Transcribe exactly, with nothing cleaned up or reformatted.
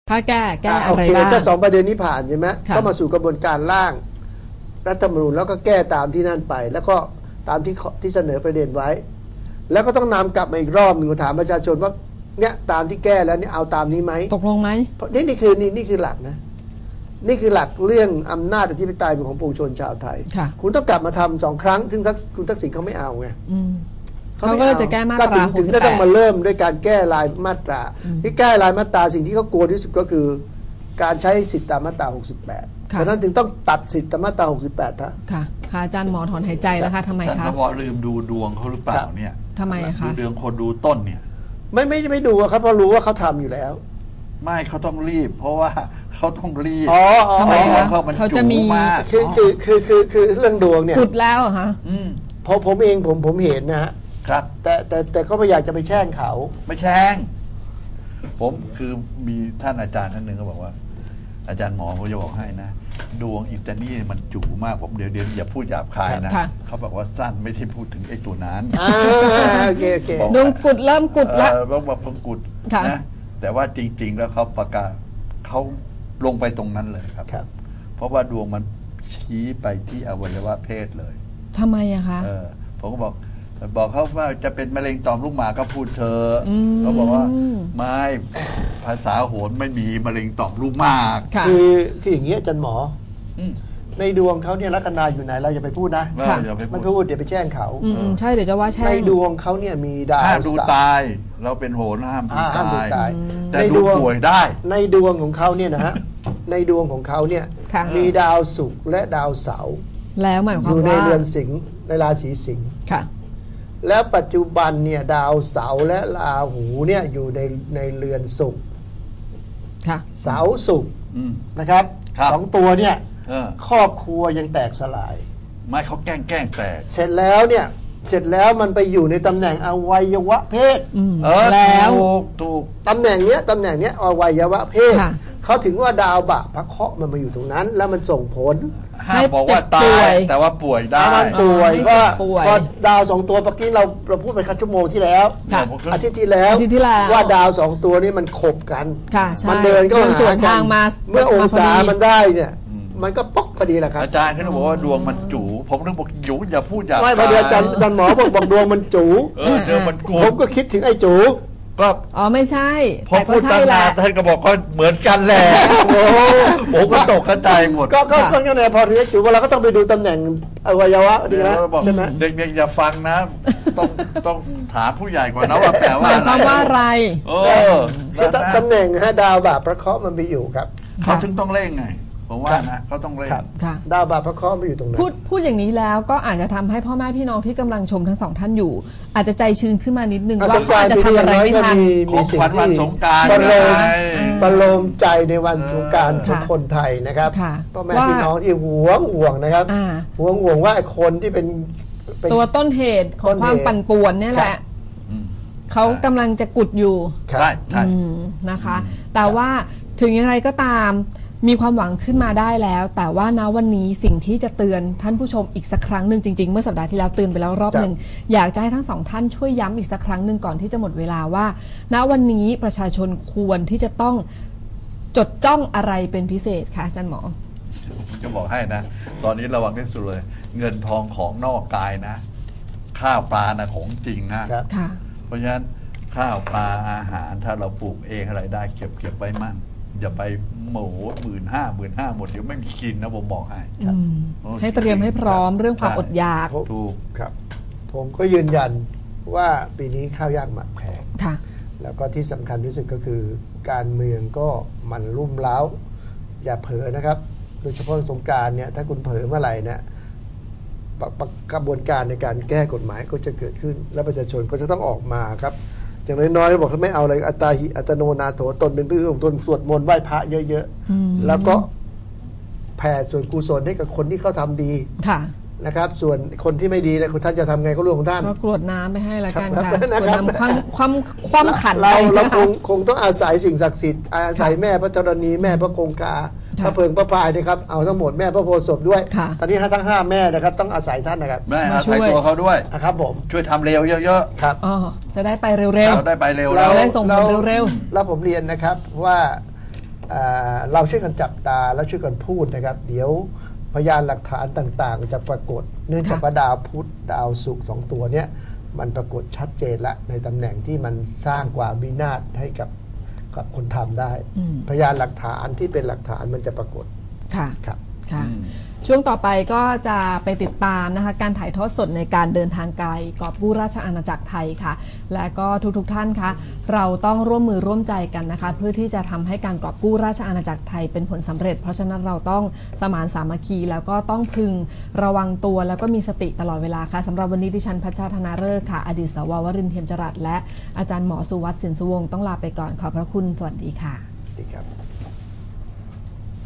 ถ้าแก้แก้อะไรบ้างโอเคถ้าสองประเด็นนี้ผ่านใช่ไหมก็มาสู่กระบวนการร่างรัฐธรรมนูญแล้วก็แก้ตามที่นั่นไปแล้วก็ตามที่ที่เสนอประเด็นไว้แล้วก็ต้องนำกลับมาอีกรอบหนึ่งถามประชาชนว่าเนี่ยตามที่แก้แล้วเนี่ยเอาตามนี้ไหมตกลงไหมเพราะนี่นี่คือนี่นี่คือหลักนะนี่คือหลักเรื่องอำนาจอธิปไตยของปวงชนชาวไทยคุณต้องกลับมาทำสองครั้งซึ่งคุณทักษิณเขาไม่เอาไงเขาก็เลยจะแก้มาตราถึงได้ต้องมาเริ่มด้วยการแก้รายมาตราที่แก้รายมาตราสิ่งที่เขากลัวที่สุดก็คือการใช้สิทธิตามมาตราหกสิบแปดเพราะนั้นถึงต้องตัดสิทธิตามมาตราหกสิบแปดท่าค่ะค่ะอาจารย์หมอถอนหายใจแล้วค่ะทำไมคะท่านสวลืมดูดวงเขาหรือเปล่าเนี่ยทำไมคะดูดวงคนดูต้นเนี่ยไม่ไม่ไม่ดูครับเพราะรู้ว่าเขาทำอยู่แล้วไม่เขาต้องรีบเพราะว่าเขาต้องรีบอ๋อทำไมคะเขาจะมีคือคือคือคือคือเรื่องดวงเนี่ยขุดแล้วเหรอคะพอผมเองผมผมเห็นนะฮะครับแต่แต่แต่ก็ไม่อยากจะไปแช่งเขาไม่แช่งผมคือมีท่านอาจารย์ท่านหนึ่งเขาบอกว่าอาจารย์หมอเขาจะบอกให้นะดวงอิตาลีมันจู่มากผมเดี๋ยวเดี๋ยวอย่าพูดหยาบคายนะเขาบอกว่าสั้นไม่ใช่พูดถึงไอ้ตัวนั้นโอเคโอเคดวงกุดเริ่มกุดแล้วต้องมาพังกุดนะแต่ว่าจริงๆแล้วเขาประกาศเขาลงไปตรงนั้นเลยครับเพราะว่าดวงมันชี้ไปที่อวัยวะเพศเลยทำไมอะคะเออผมก็บอกบอกเขาว่าจะเป็นมะเร็งต่อมลูกหมากก็พูดเธอเขาบอกว่าไม่ภาษาโหรไม่มีมะเร็งต่อมลูกหมากคือคืออย่างเงี้ยอาจารย์หมอในดวงเขาเนี่ยลัคนาอยู่ไหนเราอย่าไปพูดนะไม่พูดเดี๋ยวไปแช่งเขาใช่เดี๋ยวจะว่าแช่งในดวงเขาเนี่ยมีดาวห้ามดูตายเราเป็นโหรห้ามดูตายแต่ดูป่วยได้ในดวงของเขาเนี่ยนะฮะในดวงของเขาเนี่ยมีดาวศุกร์และดาวเสาร์แล้วหมายความว่าอยู่ในเรือนสิงห์ในราศีสิงห์ค่ะแล้วปัจจุบันเนี่ยดาวเสาร์และราหูเนี่ยอยู่ในในเรือนศุกร์เสาร์ศุกร์นะครับสองตัวเนี่ยครอบครัวยังแตกสลายไม่เขาแกล้งแกล้งแตกเสร็จแล้วเนี่ยเสร็จแล้วมันไปอยู่ในตำแหน่งอวัยวะเพศแล้วถูกตำแหน่งเนี้ยตำแหน่งเนี้ยอวัยวะเพศเขาถึงว่าดาวบะพระเคราะห์มันมาอยู่ตรงนั้นแล้วมันส่งผลห้ามบอกว่าตายแต่ว่าป่วยได้มันป่วยก็ก็ดาวสองตัวเมื่อกี้เราเราพูดไปคัดชั่วโมงที่แล้วอาทิตย์ที่แล้วว่าดาวสองตัวนี้มันขบกันมันเดินก็หากันเมื่อองศามันได้เนี่ยมันก็ป๊อกพอดีแหละครับอาจารย์เขาบอกว่าดวงมันจู๋ผมต้องบอกจู๋อย่าพูดอย่าไม่พอดีอาจารย์อาจารย์หมอบอกบอกดวงมันจู๋เออดวงมันกูผมก็คิดถึงไอ้จู๋ก็อ๋อไม่ใช่แต่ก็ใช่แหละท่านก็บอกก็เหมือนกันแหละโอ้ผมก็ตกกระจายหมดก็ก็ก็ยังไงพอถึงจู๋เราก็ต้องไปดูตำแหน่งอวัยวะดีนะใช่ไหมเด็กๆอย่าฟังนะต้องต้องถามผู้ใหญ่ก่อนนะว่าแปลว่าหมายความว่าอะไรเออตำแหน่งฮะดาวบาปพระเคราะห์มันไปอยู่ครับเขาถึงต้องเร่งไงผมว่านะเขาต้องเร่งดาวบาปพระเคราะห์ไปอยู่ตรงนั้นพูดพูดอย่างนี้แล้วก็อาจจะทำให้พ่อแม่พี่น้องที่กำลังชมทั้งสองท่านอยู่อาจจะใจชื้นขึ้นมานิดนึงว่าเขาจะทำอะไรไม่ทันของขวัญวันสงกรานต์ประโลมประโลมใจในวันสงกรานต์ของคนไทยนะครับพ่อแม่พี่น้องที่หวงห่วงนะครับหวงห่วงว่าคนที่เป็นตัวต้นเหตุของความปั่นป่วนนี่แหละเขากำลังจะกุดอยู่ใช่ใช่นะคะแต่ว่าถึงอย่างไรก็ตามมีความหวังขึ้นมาได้แล้วแต่ว่าณวันนี้สิ่งที่จะเตือนท่านผู้ชมอีกสักครั้งหนึ่งจริงๆเมื่อสัปดาห์ที่แล้วเตือนไปแล้วรอบหนึ่งอยากจะให้ทั้งสองท่านช่วยย้ำอีกสักครั้งหนึ่งก่อนที่จะหมดเวลาว่าณวันนี้ประชาชนควรที่จะต้องจดจ้องอะไรเป็นพิเศษคะอาจารย์หมอผมจะบอกให้นะตอนนี้ระวังที่สุดเลยเงินทองของนอกกายนะข้าวปลานะของจริงนะเพราะฉะนั้นข้าวปลาอาหารถ้าเราปลูกเองอะไรได้เก็บเก็บไว้มั่งอย่าไปหมูหมื่นห้าหมื่นห้าหมดเดี๋ยวไม่มีกินนะผมบอกให้ให้เตรียมให้พร้อมเรื่องความอดอยากถูกครับผมก็ยืนยันว่าปีนี้ข้าวยากหมากแพงแล้วก็ที่สำคัญที่สุดก็คือการเมืองก็มันรุ่มเร้าอย่าเผลอนะครับโดยเฉพาะสงกรานต์เนี่ยถ้าคุณเผลอเมื่อไหร่เนี่ยกระบวนการในการแก้กฎหมายก็จะเกิดขึ้นและประชาชนก็จะต้องออกมาครับอย่างน้อยๆบอกถ้าไม่เอาอะไรอัตตาหิอัตโนนาโถตนเป็นผู้ของตนสวดมนต์ไหว้พระเยอะๆแล้วก็แผ่ส่วนกุศลให้กับคนที่เขาทำดีนะครับส่วนคนที่ไม่ดีนะคุณท่านจะทำไงก็เรื่องของท่านก็กรวดน้ำไปให้ละกันค่ะกรวดน้ำความความความขันเราเราคงคงต้องอาศัยสิ่งศักดิ์สิทธิ์อาศัยแม่พระธรณีแม่พระคงคาพระเพิงพระพายนะครับเอาทั้งหมดแม่พระโพธิ์ศพด้วยตอนนี้ทั้งห้าแม่นะครับต้องอาศัยท่านนะครับแม่อาศัยตัวเขาด้วยนะครับผมช่วยทำเร็วเยอะๆครับอ๋อจะได้ไปเร็วๆได้ไปเร็วเราได้ส่งผลเร็วๆแล้วผมเรียนนะครับว่าเราช่วยกันจับตาแล้วช่วยกันพูดนะครับเดี๋ยวพยานหลักฐานต่างๆจะปรากฏเนื่องจากว่าดาวพุธดาวศุกร์สองตัวเนี้ยมันปรากฏชัดเจนละในตำแหน่งที่มันสร้างความวินาศให้กับกับคนทำได้พยานหลักฐานที่เป็นหลักฐานมันจะปรากฏค่ะครับค่ะช่วงต่อไปก็จะไปติดตามนะคะการถ่ายทอดสดในการเดินทางไกลกอบกู้ราชอาณาจักรไทยค่ะและก็ทุกๆท่านคะเราต้องร่วมมือร่วมใจกันนะคะเพื่อที่จะทำให้การกอบกู้ราชอาณาจักรไทยเป็นผลสำเร็จเพราะฉะนั้นเราต้องสมานสามัคคีแล้วก็ต้องพึงระวังตัวแล้วก็มีสติตลอดเวลาค่ะสำหรับวันนี้ดิฉันพัชชาธนาฤกษ์ค่ะอดีตสววรินทร์เทียมจรัสและอาจารย์หมอสุวัสดิ์สินสุวงศ์ต้องลาไปก่อนขอบพระคุณสวัสดีค่ะสวัสดีครับ